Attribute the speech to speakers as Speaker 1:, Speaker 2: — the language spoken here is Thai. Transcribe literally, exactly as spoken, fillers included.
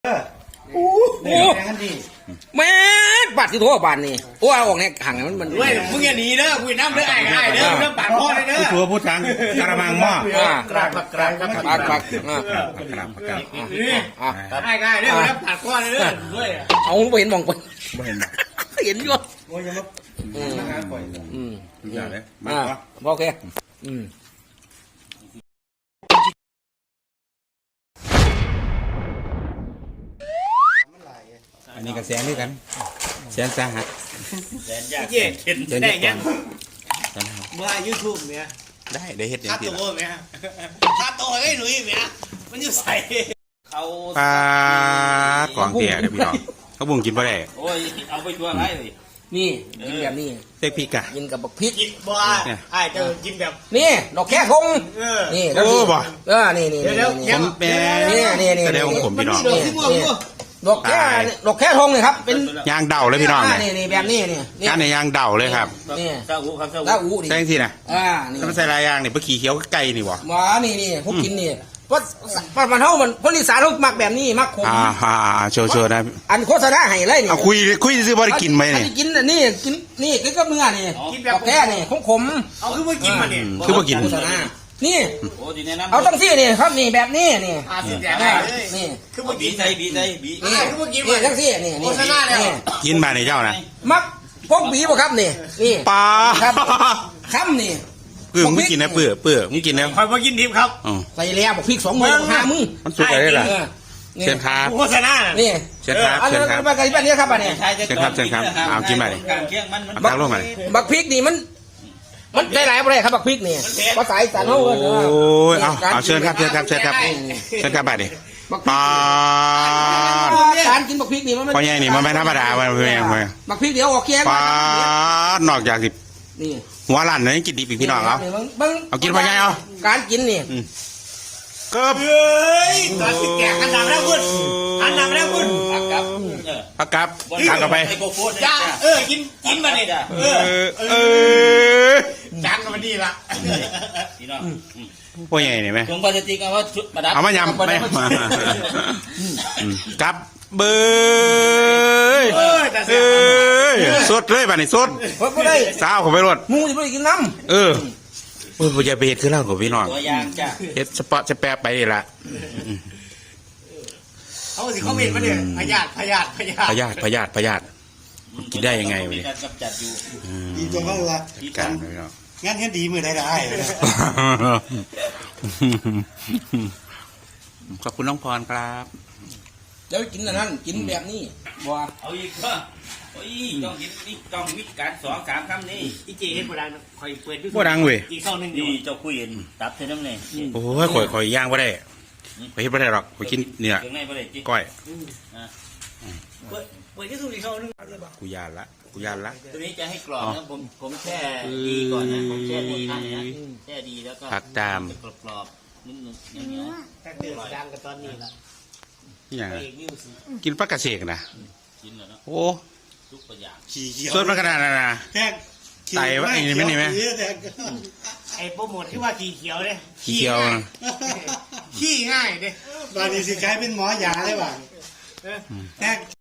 Speaker 1: โอ้แม่ปัดที่โทษบานนี่โอ้เอาออกเนี่ยห่างมันมัน
Speaker 2: เว้ยมึงอย่าหนีเด้อคุยน้ำเด้อไอ้ไอ้เด้อเด้อปากพ่อเด้อ
Speaker 3: ผู้ชัวผู้ชังกระมังหม้อก
Speaker 2: ราบกราบกราบ
Speaker 1: ปัดปัด
Speaker 3: กระมังกระมัง
Speaker 2: นี่ไอ้ไอ้เด้อเด้อปากพ่อเด้อด้วย
Speaker 1: เอาไปเห็นมองไป
Speaker 3: ไม่เห็นหรอก
Speaker 1: เห็นอยู่
Speaker 3: โอ้ยยังมาอืมอืมอย่าเลยมา
Speaker 1: โอเคอืม
Speaker 3: อันนี้ก็แสนด้วยกันแสนสาหัส
Speaker 2: แสนยากเย่เห็นได้ยังเมื่อยูทูบเนี่ย
Speaker 3: ได้ได้เห็ดอย่าง
Speaker 2: ที่ค่าตัวเนี่ยค่าตัวไอ้หนุ่ยเนี่ยมันอยู่ใส่เขา
Speaker 3: ปลากองเตี๋ยเดี๋ยวพี่น้องเขาบุ้งกินปลาแดก
Speaker 2: โอ้ยเอาไปชัวร์ไรเลย
Speaker 1: นี่กินแบบนี้
Speaker 3: เต็กพริกอะ
Speaker 1: กินกับบักพริก
Speaker 2: บ้าไอ้จะกินแบบ
Speaker 1: นี่ดอกแค่คงนี่
Speaker 3: โอ้บ่
Speaker 1: เออนี่นี่นี่
Speaker 3: ผมแม่
Speaker 1: นี่นี่นี่
Speaker 3: แสดงของผมพี่น้อง
Speaker 1: ดอกแค่ดอกแค่ทงเลยครับเป็น
Speaker 3: ยางเดาเลยพี่น้อง
Speaker 1: นี่นี่แบบนี้นี่
Speaker 3: การในยางเดาเลยครับ
Speaker 1: นี่
Speaker 2: ซาอูครับ
Speaker 1: ซาอูดิ
Speaker 3: แจ้งทีนะ
Speaker 1: อ่านี่
Speaker 3: ถ้ามันใส่ลายยางเนี่ยเมื่อกี้เขียวไก่นี่วะ
Speaker 1: หมานี่นี่พวกกินนี่เพราะประมาณเท่ามันคนอีสานเขามักแบบนี้มักขม
Speaker 3: อ่าอ่าโชว์โชว์นะ
Speaker 1: อันโฆษณาให้เลยนี่
Speaker 3: เอาคุยคุยซื้อบริกินไหมเนี่ย
Speaker 1: กินนี่กินนี่กินกับเนื้อนี่กินแบบแค่นี่ขมขม
Speaker 2: เอาคือว่ากินมาเนี่ย
Speaker 3: คือว่ากิน
Speaker 1: โฆษณานี่เอาตั้งที่นี่ครับนี่แบบนี้นี่
Speaker 2: อาสิแดง
Speaker 1: นี่
Speaker 2: คือว่าบีใจบีใจบี
Speaker 1: นี่คือว่ากินนี่ตั้งที่นี่นี่โฆษณาเนี่ย
Speaker 3: กินมาในเจ้านะ
Speaker 1: มักพวกบีบ่ครับนี่นี่
Speaker 3: ปลา
Speaker 1: ครับคำนี่
Speaker 3: เปื่อมึงกินนะเปื่อเปื่อมึงกินแล้ว
Speaker 2: คอยมากินดิบครับ
Speaker 1: ใส่แล้วบอกพริกสองมือห้ามือ
Speaker 3: มันสุกอะไรล่ะเชิญครับ
Speaker 2: โฆษณา
Speaker 1: นี่
Speaker 3: เชิญครับเชิญครับ
Speaker 1: มากันแบบนี้ครับอันนี้
Speaker 3: เชิญครับเชิญครับเอากินมาเลยบักลงมาเลย
Speaker 1: บักพริกนี่มันมันได้หลายอะไรครับบักพริกนี่ภาษาอีสานเขาเออ
Speaker 3: โอ้ยเอาเอาเชิญครับเชิญครับเชิญครับเชิญครับไปดิปลา
Speaker 1: การกินบักพริกนี่มัน
Speaker 3: พอใหญ่นี่มันไม่ธรรมดามันเป็นยังไง
Speaker 1: บักพริกเดี๋ยวออกเคี้ยว
Speaker 3: ปลานอกจากสิ
Speaker 1: นี่
Speaker 3: หัวลั่นนี่กินดีปีพี่น้องเอาเอากินพอใหญ่เอา
Speaker 1: การกินนี่
Speaker 3: เกือบ
Speaker 2: เฮ้ยตอนแก่กันดังแล้วคุณกันดังแล้วคุณพักกับ
Speaker 3: พักกับพักกับไป
Speaker 2: จ้าเออกินกินมาเนี่ยเออเออจางกันมาดีละพี่น้อง
Speaker 3: พวกใหญ่เนี่ยไหม
Speaker 2: ถุงพลาสติกเอาว่าประดับ
Speaker 3: เอามายำไม่มากับเบยเอ้ยสดเลยป่ะนี่สดสาวเขาไปรถ
Speaker 1: มูจะไปกินน้
Speaker 3: ำเออโอ้ยผมจะไปเห็ดขึ้นแล้วกับพี่น้องเห็ดสปอตสแปรไปนี่ละ
Speaker 2: เขาสิเขาเห็นมาเนี่ยพยาธิพยาธิพยาธิ
Speaker 3: พยาธิพยาธิพยาธิกินได้ยังไงวะเนี่ย
Speaker 2: ดีจังเขาละ
Speaker 3: การพี่น้อง
Speaker 2: งั้นแค่ดีมือได้ได้
Speaker 3: ขอบคุณน้องพรครับ
Speaker 1: แล้วกินอันนั้นกินแบบนี้บัว
Speaker 2: เอาอีกเพิ่มโอ้ยต้องกินนี่ต้องวิการสองสามคำนี่อีเจเห็นโบราณคอยเปิด
Speaker 3: โบราณเว้ย
Speaker 2: อีกข้าวนึงดีเจ้าคุยเห็นตับเท่านั้นเลย
Speaker 3: โอ้ยข่อยข่อยย่างไม่ได้ข่อยเห็นไม่ได้หรอกข่อยกินเนี่ยก้อย
Speaker 2: เปิดเปิดที่สุดอีกข้าวนึง
Speaker 3: กูยานละกูยานละ
Speaker 2: ตัวนี้จะให้กรอบนะผมผมแช่ดีก่อนนะผมแช่ดีนะแช่ดีแล้วก็
Speaker 3: ผักตาม
Speaker 2: กรอบๆนุ่มๆอย่างเงี้ยแค่เดือดดังกันตอนนี้ละ
Speaker 3: อย่างกินปลากระเสกนะ
Speaker 2: กินแล้วเนาะ
Speaker 3: โอ้
Speaker 2: ทุกอย่าง
Speaker 3: ขี้เขียวสดมาขนาดนั้นนะไตวะไอ้นี่ไม่นี่ไหม
Speaker 2: ไอ้โปรโมทที่ว่าขี้เขียวเลย
Speaker 3: ขี้เขียว
Speaker 2: ขี้ง่ายเลย
Speaker 4: ตอนนี้สิกลายเป็นหมอยาเลยว่ะ